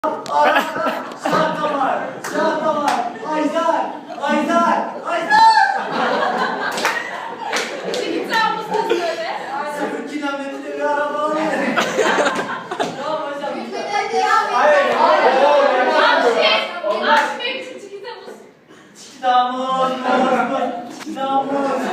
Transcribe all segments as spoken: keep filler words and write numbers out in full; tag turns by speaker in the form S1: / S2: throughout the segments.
S1: Şarkı var, şarkı var. Ajdar, Ajdar, Ajdar.
S2: Çıkacağım mısın söyle?
S1: Sıfır kilometre bir araba var. Tamam hocam.
S2: Hayır.
S1: Hayır.
S2: Aşk. Aşk benim için çıkacağım mısın?
S1: Çıktamız, çıktamız.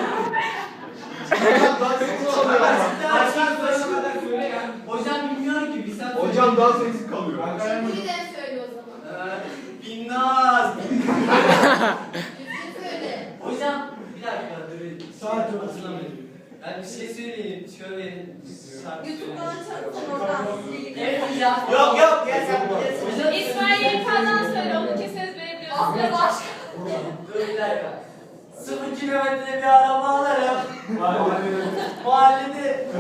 S1: Hocam bilmiyor ki bir saat.
S3: Hocam daha sessiz kalıyor.
S2: Birden söyle o zaman.
S1: Binnaz.
S2: Düzgün söyle.
S1: Hocam bir dakika dur. Saat çok hatırlamıyorum. Ben bir şey söyleyeyim. Şöyle şarkı
S2: YouTube'dan
S1: söyleyeyim.
S2: açarsan oradan size
S1: Evet hocam. Yok yok gel sen gel.
S2: İsmail Yelkan'dan söyle. Onu keseriz verebiliyorsun. Aslında başka.
S1: Dur bir dakika. Sıfır kilometre bir araba alırım. Mahallede.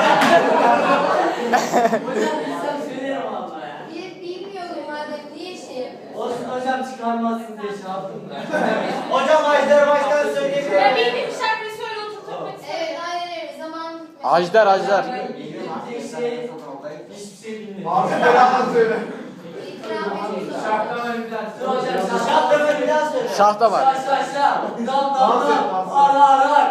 S1: Hocam bilsem söylerim valla ya.
S2: Bir bilmiyorum madem niye şey yapıyorsun?
S1: Olsun hocam çıkarmazsın diye şey yaptım da. Hocam Ajdar baştan söyleyebilir
S2: Ya
S1: miyim?
S2: bildiğim şarkıyı söyle oturtmak istedim. Evet aynen öyle. Zaman bitmedi.
S4: Ajdar, Ajdar.
S1: Tek şey hiçbir şey bilmiyorum.
S3: Abi beraber söyle.
S2: İtiraf ediyorsun.
S1: Şahtamer bir daha söyle. Hocam Şahtamer bir daha söyle.
S4: Şah da var.
S1: Şah şah şah. Dam dam
S3: Dans et,
S1: dam.
S3: dans et.
S1: Ar ar ar.